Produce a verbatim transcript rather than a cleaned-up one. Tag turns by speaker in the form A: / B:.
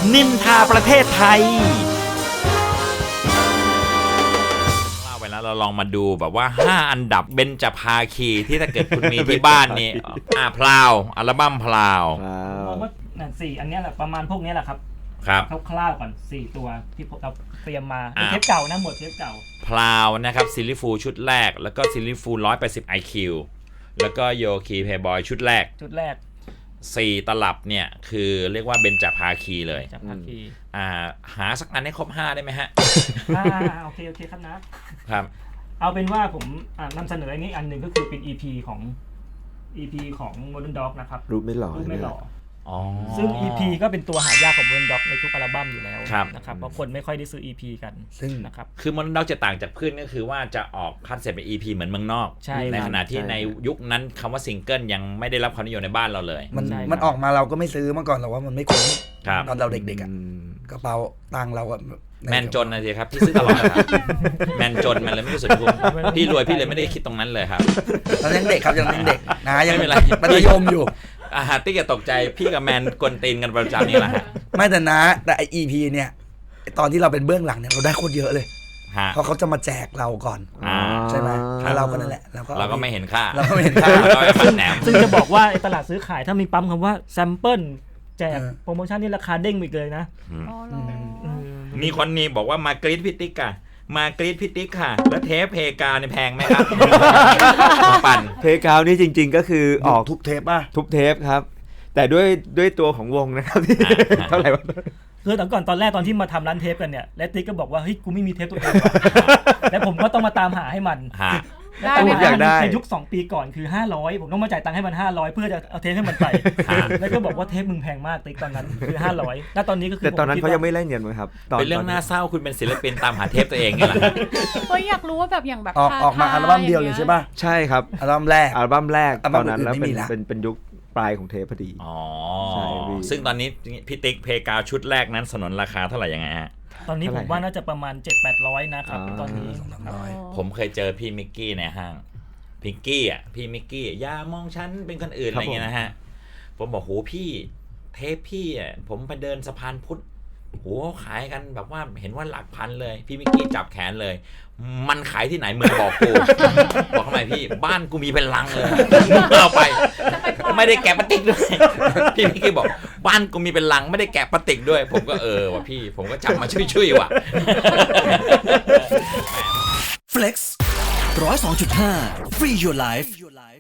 A: นินทาประเทศไทยเล่าไปแล้วเราลองมาดูแบบว่าห้าอันดับเบญจภาคีที่ถ้าเกิดคุณมีที่บ้านนี่อ่าพลาวอัลบั้มพลาว
B: มองว่าสี่อันนี้แหละประมาณพวกนี้แหละครับ
A: ครับ
B: คร่าวๆก่อนสี่ตัวที่เราเตรียมมาเทปเก่านะหมดเทปเก่า
A: พลาวนะครับซิลลิฟูชุดแรกแล้วก็ซิลลิฟูหนึ่งร้อยแปดสิบ ไอ คิว แล้วก็โยคีเพย์บอยชุดแรก
B: ชุดแรก
A: สี่ตลับเนี่ยคือเรียกว่าเบญจภาคีเลย
B: ภาคี
A: อ่าหาสักอันให้ครบห้าได้ไหมฮะ
B: อ่าโอเคโอเคครับนะครับเอาเป็นว่าผมนำเสนออันนี้อันหนึ่งก็คือเป็น อี พี ของ อี พี ของ Modern Dog นะครับ
C: รูปไม่หล่อ
B: รูปไม่หล่อซึ่ง อี พี ก็เป็นตัวหายากของ Modern Dog ในทุกอัลบั้มอยู่แล้วนะครับเพราะคนไม่ค่อยได้ซื้อ อี พี กัน
A: ซึ่ง
B: นะครับ
A: คือ Modern Dog จะต่างจากเพื่อนก็คือว่าจะออกคัดเสร็จเป็น อี พี เหมือนเมืองนอก
B: ใ,
A: ในขณะที่ในยุคนั้นคำว่าซิงเกิลยังไม่ได้รับความนิยมในบ้านเราเลย
D: มันมันออกมาเราก็ไม่ซื้อเมื่อก่อนเราว่ามันไม่คุ้มตอนเราเด็กๆอ่ะกระเป๋าตังเราก็
A: แมนจนนะสิครับพี่ซื้อตลอดครับแมนจนมันเลยไม่รู้สึกคุ้มพี่รวยพี่เลยไม่ได้คิดตรงนั้นเลยครับ
D: ตอนยังเด็กครับยังเด็กนะยังไม่เป็นไรมัธยมอยู่
A: อาหารติ๊กจะตกใจพี่กับแมนกวนตีนกันประจำนี่แหละฮะ
D: ไม่แต่นะแต่ไอ อี พี เนี่ยตอนที่เราเป็นเบื้องหลังเนี่ยเราได้โคตรเยอะเลยเพราะเขาจะมาแจกเราก่อนใช่ไหมแล้วเราก็นั่นแหละ
A: เราก็ไม่เห็นค่า
D: เราก็ไม่เห็นค่า
B: ซึ่งจะบอกว่าตลาดซื้อขายถ้ามีปั๊มคำว่าแซมเปิลแจกโปรโมชั่นนี่ราคาเด้งอีกเลยนะ
A: มีคนนี้บอกว่ามากรีดพิติกอะมากรีดพิติกค่ะแล้วเทปเพกาในแพงไหมครับ
C: ปั่นเพกานี่จริงๆก็คือออก
D: ทุกเทปป่ะ
C: ทุกเทปครับแต่ด้วยด้วยตัวของวงนะครับที่เท่าไหร่วะ
B: คือตอนก่อนตอนแรกตอนที่มาทำร้านเทปกันเนี่ยและติ๊กก็บอกว่าเฮ้ยกูไม่มีเทปตัวเองแล้วผมก็ต้องมาตามหาให้มัน
C: ได้ผมอยากได้
B: ในยุคสองปีก่อนคือห้าร้อยผมต้องมาจ่ายตังค์ให้มันห้าร้อยเพื่อจะเอาเทปให้มันไปแล้วก็บอกว่าเทปมึงแพงมากติ๊กตอนนั้นคือห้าร้อยแล้วตอนนี้ก็คือ
C: แต่ตอนนั้นเขายังไม่เล่นเงินมั้ยครับ
A: เป็นเรื่องน่าเศร้าคุณเป็นศิลปินตามหาเทปตัวเองไงล่ะ
E: เฮ้ยอยากรู้ว่าแบบอย่างแบบ
D: ออกมาอัลบั้มเดียวเลยใช่ป่ะ
C: ใช่ครับ
D: อัลบั้มแรก
C: อัลบั้มแรกตอนนั้นแล้วเป็นเป็นเป็นยุคปลายของเทปพอดี
A: อ๋อซึ่งตอนนี้พี่ติ๊กเพกาชุดแรกนั้นสนนราคาเท่าไหร่ยังไงฮะ
B: ตอนนี้ผมว่าน่าจะประมาณ เจ็ดแปดร้อย นะครับตอนนี้
A: ผมเคยเจอพี่มิกกี้ในห้างพิงกี้อ่ะพี่มิกกี้อย่ามองฉันเป็นคนอื่นอะไรเงี้ยนะฮะผมบอกโหพี่เทปพี่อ่ะผมไปเดินสะพานพุทธโหขายกันแบบว่าเห็นว่าหลักพันเลยพี่มิกกี้จับแขนเลยมันขายที่ไหนมึงบอกกูบอกทำไมพี่บ้านกูมีเป็นลังเลยเอาไปไม่ได้แกะพลาสติกด้วยพี่มิกกี้บอกบ้านกูมีเป็นลังไม่ได้แกะพลาสติกด้วยผมก็เออว่ะพี่ผมก็จับมาช่วยๆว่ะ
F: Flex หนึ่งศูนย์สองจุดห้า Free Your Life